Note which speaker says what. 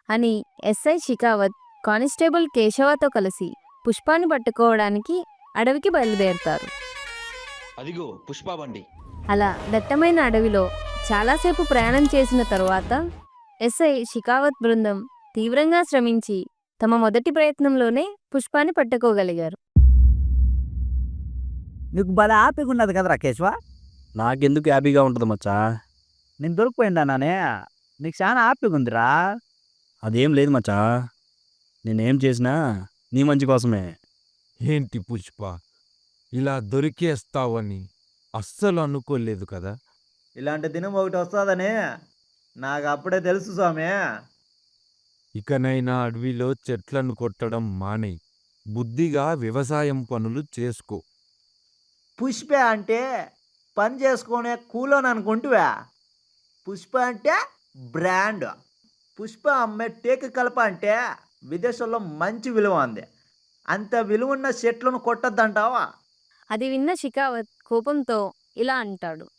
Speaker 1: అని SI Shekhawat constable కేశవతో కలిసి పుష్పాన్ని పట్టుకోవడానికి అడవికి బయలుదేరుతారు.
Speaker 2: అదిగో పుష్ప బండి.
Speaker 1: అలా దట్టమైన అడవిలో చాలాసేపు ప్రయాణం చేసిన తరువాత ఎస్ఐ షికావత్ బృందం తీవ్రంగా శ్రమించి తమ మొదటి ప్రయత్నంలోనే పుష్పాన్ని పట్టుకోగలిగారు.
Speaker 3: నీకు భలే హ్యాపీగా ఉన్నది కదరా కేశవ.
Speaker 4: నాకెందుకు హ్యాపీగా ఉంటుంది మచ్చా?
Speaker 3: నేను దొరికిపోయిందానే, నీకు చాలా హ్యాపీగా ఉందిరా.
Speaker 4: అదేం లేదు మచ్చా, నేనేం చేసినా నీ మంచి కోసమే.
Speaker 5: ఏంటి పుష్ప, ఇలా దొరికేస్తావని అస్సలు అనుకోలేదు కదా.
Speaker 3: ఇలాంటి దినం ఒకటి వస్తుందని నాకు అప్పుడే తెలుసు స్వామి.
Speaker 5: ఇకనైనా అడవిలో చెట్లను కొట్టడం మానేయ్, బుద్ధిగా వ్యవసాయం పనులు చేసుకో.
Speaker 3: పుష్ప అంటే పని చేసుకునే కూలోని అనుకుంటువా? పుష్ప అంటే బ్రాండ్. పుష్ప అమ్మే టేకు కలప అంటే విదేశాల్లో మంచి విలువ ఉంది. అంత విలువ ఉన్న చెట్లను కొట్టద్దంటావా?
Speaker 1: అది విన్న షికావత్ కోపంతో ఇలా అంటాడు.